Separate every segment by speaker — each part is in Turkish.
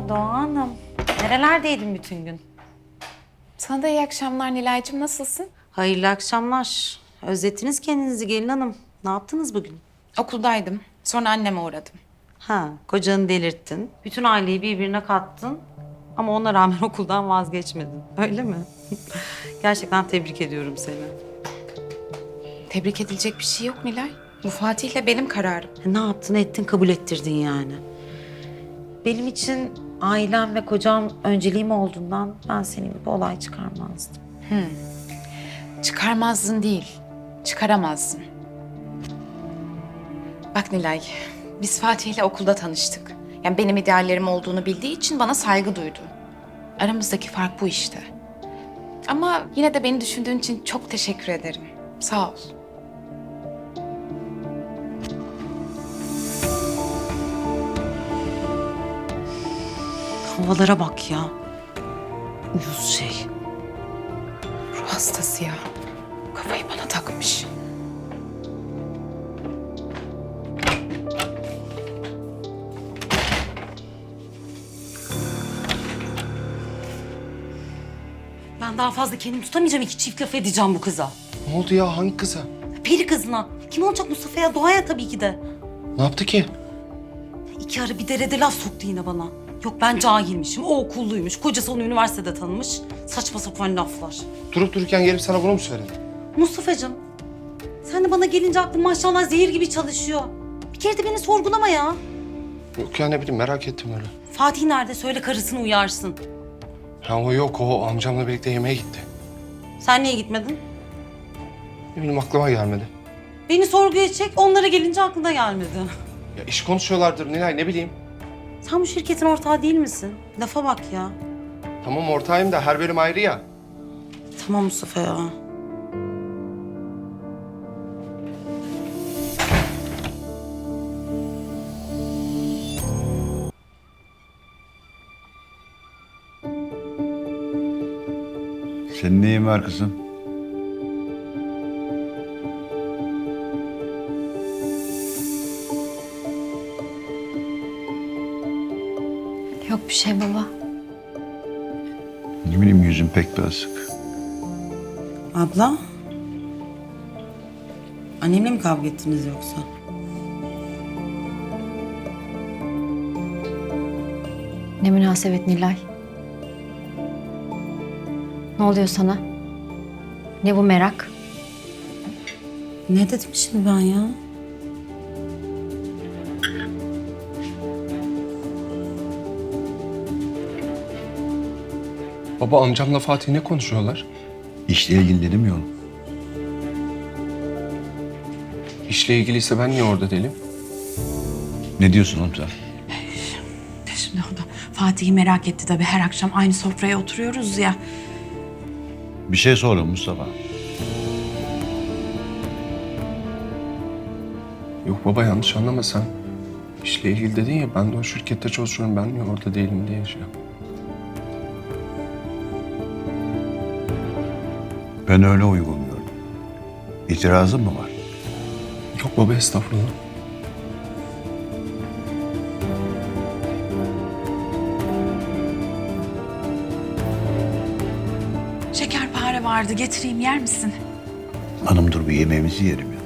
Speaker 1: Doğa Hanım. Nerelerdeydin bütün gün?
Speaker 2: Sana da iyi akşamlar Nilay'cığım. Nasılsın?
Speaker 1: Hayırlı akşamlar. Özlettiniz kendinizi gelin hanım. Ne yaptınız bugün?
Speaker 2: Okuldaydım. Sonra anneme uğradım.
Speaker 1: Ha, kocanı delirttin. Bütün aileyi birbirine kattın. Ama ona rağmen okuldan vazgeçmedin. Öyle mi? Gerçekten tebrik ediyorum seni.
Speaker 2: Tebrik edilecek bir şey yok Nilay. Bu Fatih'le benim kararım.
Speaker 1: Ne yaptın ettin kabul ettirdin yani. Benim için ailem ve kocam önceliğim olduğundan ben senin gibi olay çıkarmazdım.
Speaker 2: Çıkarmazdın değil, çıkaramazdın. Bak Nilay, biz Fatih'le okulda tanıştık. Yani benim ideallerim olduğunu bildiği için bana saygı duydu. Aramızdaki fark bu işte. Ama yine de beni düşündüğün için çok teşekkür ederim. Sağ ol.
Speaker 1: Havalara bak ya. Uyuz şey.
Speaker 2: Ruh hastası ya. Kafayı bana takmış.
Speaker 1: Ben daha fazla kendimi tutamayacağım. İki çift laf edeceğim bu kıza.
Speaker 3: Ne oldu ya? Hangi kıza?
Speaker 1: Peri kızına. Kim olacak Mustafa'ya? Doğa'ya tabii ki de.
Speaker 3: Ne yaptı ki?
Speaker 1: İki ara bir derede laf soktu yine bana. Yok ben cahilmişim, o okulluymuş, kocası onu üniversitede tanımış. Saçma sapan laflar.
Speaker 3: Durup dururken gelip sana bunu mu söyledi?
Speaker 1: Mustafa'cığım, sen de bana gelince aklın maşallah zehir gibi çalışıyor. Bir kere de beni sorgulama ya.
Speaker 3: Yok ya, ne bileyim, merak ettim öyle.
Speaker 1: Fatih nerede? Söyle karısını uyarsın.
Speaker 3: Ha, o yok, o amcamla birlikte yemeğe gitti.
Speaker 1: Sen niye gitmedin?
Speaker 3: Ne bileyim, aklıma gelmedi.
Speaker 1: Beni sorguya çek, onlara gelince aklına gelmedi.
Speaker 3: Ya iş konuşuyorlardır Nilay, ne bileyim.
Speaker 1: Sen bu şirketin ortağı değil misin? Lafa bak ya.
Speaker 3: Tamam, ortağıyım da her bölüm ayrı ya.
Speaker 1: Tamam Mustafa ya.
Speaker 4: Senin neyin var kızım?
Speaker 5: Yok bir şey baba.
Speaker 4: Ne bileyim, yüzün pek bir asık.
Speaker 1: Abla? Annemle mi kavga ettiniz yoksa?
Speaker 5: Ne münasebet Nilay. Ne oluyor sana? Ne bu merak?
Speaker 1: Ne dedim şimdi ben ya?
Speaker 3: Baba, amcamla Fatih ne konuşuyorlar?
Speaker 4: İşle ilgili dedim ya oğlum.
Speaker 3: İşle ilgiliyse ben niye orada değilim?
Speaker 4: Ne diyorsun oğlum sen?
Speaker 6: Şimdi o da Fatih'i merak etti tabii. Her akşam aynı sofraya oturuyoruz ya.
Speaker 4: Bir şey sorun Mustafa.
Speaker 3: Yok baba, yanlış anlama sen. İşle ilgili dedin ya, ben de o şirkette çalışıyorum, ben niye orada değilim diye şey yaptım.
Speaker 4: Ben öyle uygun gördüm. İtirazın mı var?
Speaker 3: Yok baba, estağfurullah.
Speaker 6: Şekerpare vardı. Getireyim, yer misin?
Speaker 4: Hanım dur, bir yemeğimizi yiyelim ya.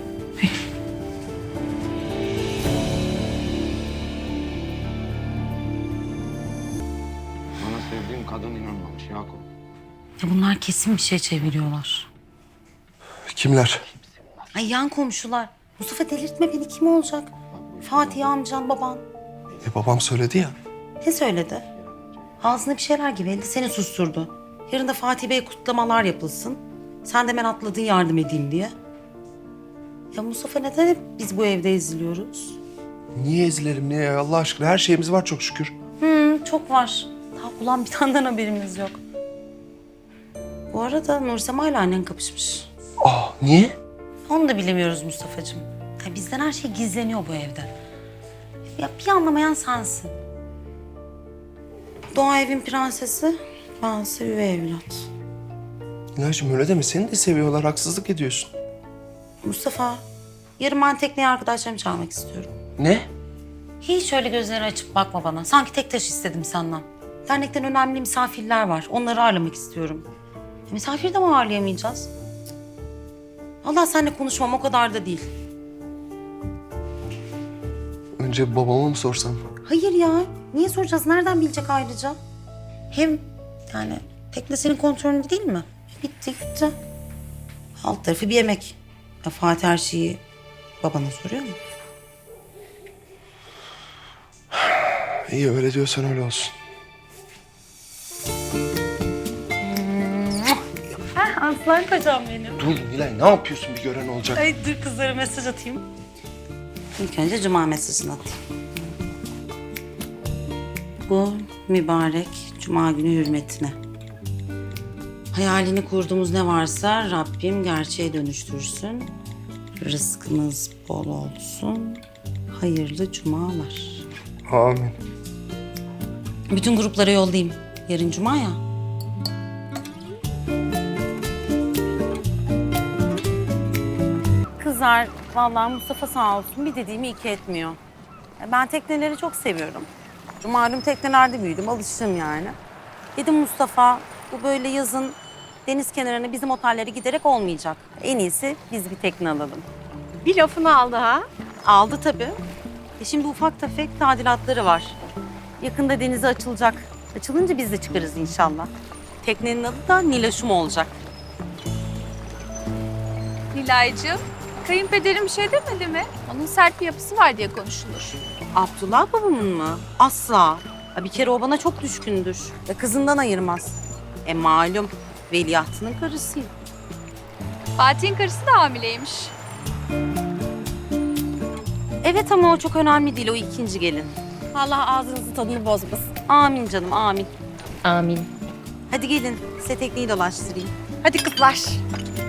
Speaker 3: Bana sevdiğim kadın inanmamış Yakup.
Speaker 1: Ya bunlar kesin bir şey çeviriyorlar.
Speaker 3: Kimler?
Speaker 1: Ay yan komşular. Mustafa delirtme beni, kim olacak? Fatih amcan, baban.
Speaker 3: Babam söyledi ya.
Speaker 1: Ne söyledi? Ağzına bir şeyler geveledi, seni susturdu. Yarın da Fatih Bey kutlamalar yapılsın. Sen de hemen atladın yardım edeyim diye. Ya Mustafa, neden hep biz bu evde eziliyoruz?
Speaker 3: Niye ezilelim, niye ya? Allah aşkına, her şeyimiz var çok şükür.
Speaker 1: Çok var. Daha ulan bir taneden haberimiz yok. Bu arada Nursema ile annen kapışmış.
Speaker 3: Niye?
Speaker 1: Onu da bilemiyoruz Mustafa'cığım. Ya bizden her şey gizleniyor bu evde. Ya bir anlamayan sensin. Doğa evin prensesi, bense üvey evlat.
Speaker 3: Nilay'cığım öyle deme, seni de seviyorlar, haksızlık ediyorsun.
Speaker 1: Mustafa, yarın ben tekneye arkadaşlarımı çağırmak istiyorum.
Speaker 3: Ne?
Speaker 1: Hiç öyle gözleri açıp bakma bana. Sanki tek taş istedim senden. Dernekten önemli misafirler var. Onları ağırlamak istiyorum. Misafiri de mi ağırlayamayacağız? Allah seninle konuşmam o kadar da değil.
Speaker 3: Önce babama mı sorsam?
Speaker 1: Hayır ya. Niye soracağız? Nereden bilecek ayrıca? Hem yani tekne senin kontrolünde değil mi? Bitti gitti. Alt tarafı bir yemek. Fatih her şeyi babana soruyor mu?
Speaker 3: İyi öyle diyorsan öyle olsun.
Speaker 1: Aslan kocam benim.
Speaker 3: Dur Nilay ne yapıyorsun bir gören olacak.
Speaker 1: Ay dur kızlara mesaj atayım. İlk önce cuma mesajını atayım. Bu mübarek cuma günü hürmetine. Hayalini kurduğumuz ne varsa Rabbim gerçeğe dönüştürsün. Rızkınız bol olsun. Hayırlı cumalar.
Speaker 3: Amin.
Speaker 1: Bütün gruplara yollayayım. Yarın cuma ya. Kızlar, vallahi Mustafa sağ olsun bir dediğimi iki etmiyor. Ben tekneleri çok seviyorum. Malum teknelerde büyüdüm, alıştım yani. Dedim Mustafa, bu böyle yazın deniz kenarına bizim otellere giderek olmayacak. En iyisi biz bir tekne alalım.
Speaker 7: Bir lafını aldı ha.
Speaker 1: Aldı tabii. Şimdi ufak tefek tadilatları var. Yakında denize açılacak. Açılınca biz de çıkarız inşallah. Teknenin adı da Niloşum olacak.
Speaker 7: Nilay'cığım, kayınpederim bir şey demedi mi? Onun sert bir yapısı var diye konuşulur.
Speaker 1: Abdullah babamın mı? Asla. Ya bir kere o bana çok düşkündür. Ve kızından ayırmaz. Malum veliahtının karısıyım.
Speaker 7: Fatih'in karısı da hamileymiş.
Speaker 1: Evet ama o çok önemli değil. O ikinci gelin.
Speaker 7: Allah ağzınızın tadını bozmasın.
Speaker 1: Amin canım amin.
Speaker 5: Amin.
Speaker 1: Hadi gelin size tekneyi dolaştırayım.
Speaker 7: Hadi kızlar.